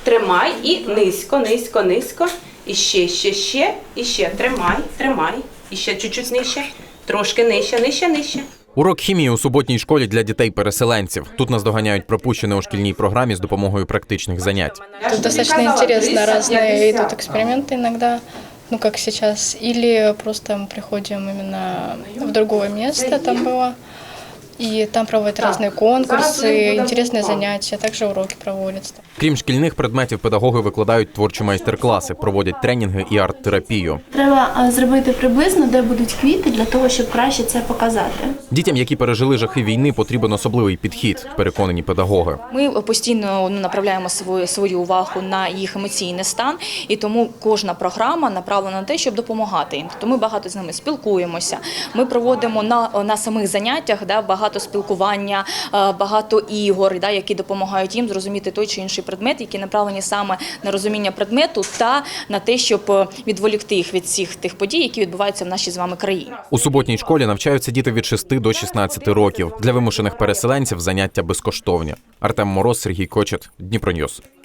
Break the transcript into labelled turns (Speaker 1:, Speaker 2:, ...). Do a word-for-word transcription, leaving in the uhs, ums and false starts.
Speaker 1: Тримай і низько, низько, низько. І ще, ще, ще, і ще. Тримай, тримай. І ще чуть-чуть нижче. Трошки нижче, нижче, нижче.
Speaker 2: Урок хімії у суботній школі для дітей-переселенців. Тут наздоганяють пропущене у шкільній програмі з допомогою практичних занять.
Speaker 3: Тут достаточно интересно, разные идут эксперименты иногда, ну как сейчас, или просто мы приходим именно в другое место, там было, и там проводят разные конкурсы, интересные занятия, также уроки проводятся.
Speaker 2: Крім шкільних предметів, педагоги викладають творчі майстер-класи, проводять тренінги і арт-терапію.
Speaker 4: Треба зробити приблизно, де будуть квіти, для того, щоб краще це показати.
Speaker 2: Дітям, які пережили жахи війни, потрібен особливий підхід, переконані педагоги.
Speaker 5: Ми постійно ну, направляємо свою, свою увагу на їх емоційний стан, і тому кожна програма направлена на те, щоб допомагати їм. Тобто ми багато з ними спілкуємося, ми проводимо на, на самих заняттях да, багато спілкування, багато ігор, да, які допомагають їм зрозуміти той чи інший предмет, які направлені саме на розуміння предмету та на те, щоб відволікти їх від всіх тих подій, які відбуваються в нашій з вами країні.
Speaker 2: У суботній школі навчаються діти від шести до шістнадцяти років. Для вимушених переселенців заняття безкоштовні. Артем Мороз, Сергій Кочет, Дніпроньюз.